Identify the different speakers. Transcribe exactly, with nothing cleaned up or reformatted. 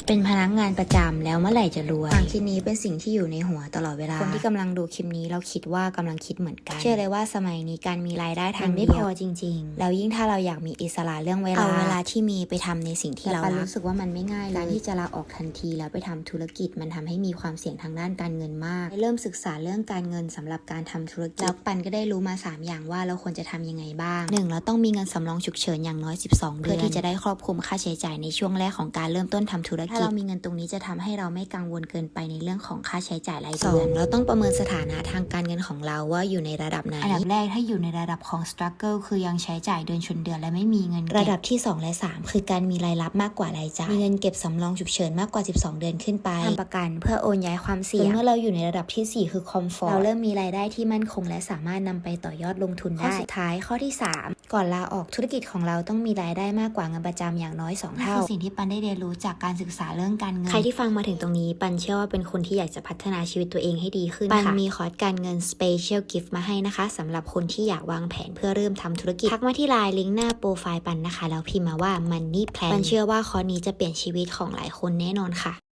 Speaker 1: เป็นพนักงานประจำแล้วเมื่อไหร่จะรวยความคิดนี้เป็นสิ่งที่อยู่ในหัวตลอดเวลาคนที่กำลังดูคลิปนี้เราคิดว่ากำลังคิดเหมือนกันเชื่อเลยว่าสมัยนี้การมีรายได้ทางไม่พอจริงๆแล้วยิ่งถ้าเราอยากมีอิสระเรื่องเวลาเอาเวลาที่มีไปทำในสิ่งที่เรารักรู้สึกว่ามันไม่ง่ายเลยการที่จะลาออกทันทีแล้วไปทำธุรกิจมันทำให้มีความเสี่ยงทางด้านการเงินมากเริ่มศึกษาเรื่องการเงินสำหรับการทำธุรกิจแล้วปันก็ได้รู้มาสามอย่างว่าเราควรจะทำยังไงบ้างหนึ่งเราต้องมีเงินสำรองฉุกเฉินอย่างน้อยสิบสองเดือนเพื่อที่จะได้ครอบคลุมค่าใช้จ่ายในช่วงแรกของการเริ่มต้นทำธุรกิจถ้าเรามีเงินตรงนี้จะทำให้เราไม่กังวลเกินไปในเรื่องของค่าใช้จ่ายรายเดือนเราต้องประเมินสถานะทางการเงินของเราว่าอยู่ในระดับไหนอันดับแรกถ้าอยู่ในระดับของ struggle คือยังใช้จ่ายเดือนชนเดือนและไม่มีเงินระดับที่สองและสามคือการมีรายรับมากกว่ารายจ่ายมีเงินเก็บสำรองฉุกเฉินมากกว่าสิบสองเดือนขึ้นไปทำประกันเพื่อโอนย้ายความเสี่ยงเมื่อเราอยู่ในระดับที่สี่คือ comfort เราเริ่มมีรายได้ที่มั่นคงและสามารถนำไปต่อยอดลงทุนได้ข้อสุดท้ายข้อที่สามก่อนลาออกธุรกิจของเราต้องมีรายได้มากกว่าเงินประจำอย่างน้อยสองเท่าคือสิ่งที่ปันได้เรียนรู้จากการศึกษาเรื่องการเงินใครที่ฟังมาถึงตรงนี้ปันเชื่อว่าเป็นคนที่อยากจะพัฒนาชีวิตตัวเองให้ดีขึ้นปันมีคอร์สการเงิน Special Gift มาให้นะคะสำหรับคนที่อยากวางแผนเพื่อเริ่มทำธุรกิจทักมาที่ไลน์ลิงก์หน้าโปรไฟล์ปันนะคะแล้วพิมพ์มาว่า Money Plan ปันเชื่อว่าคอร์สนี้จะเปลี่ยนชีวิตของหลายคนแน่นอนค่ะ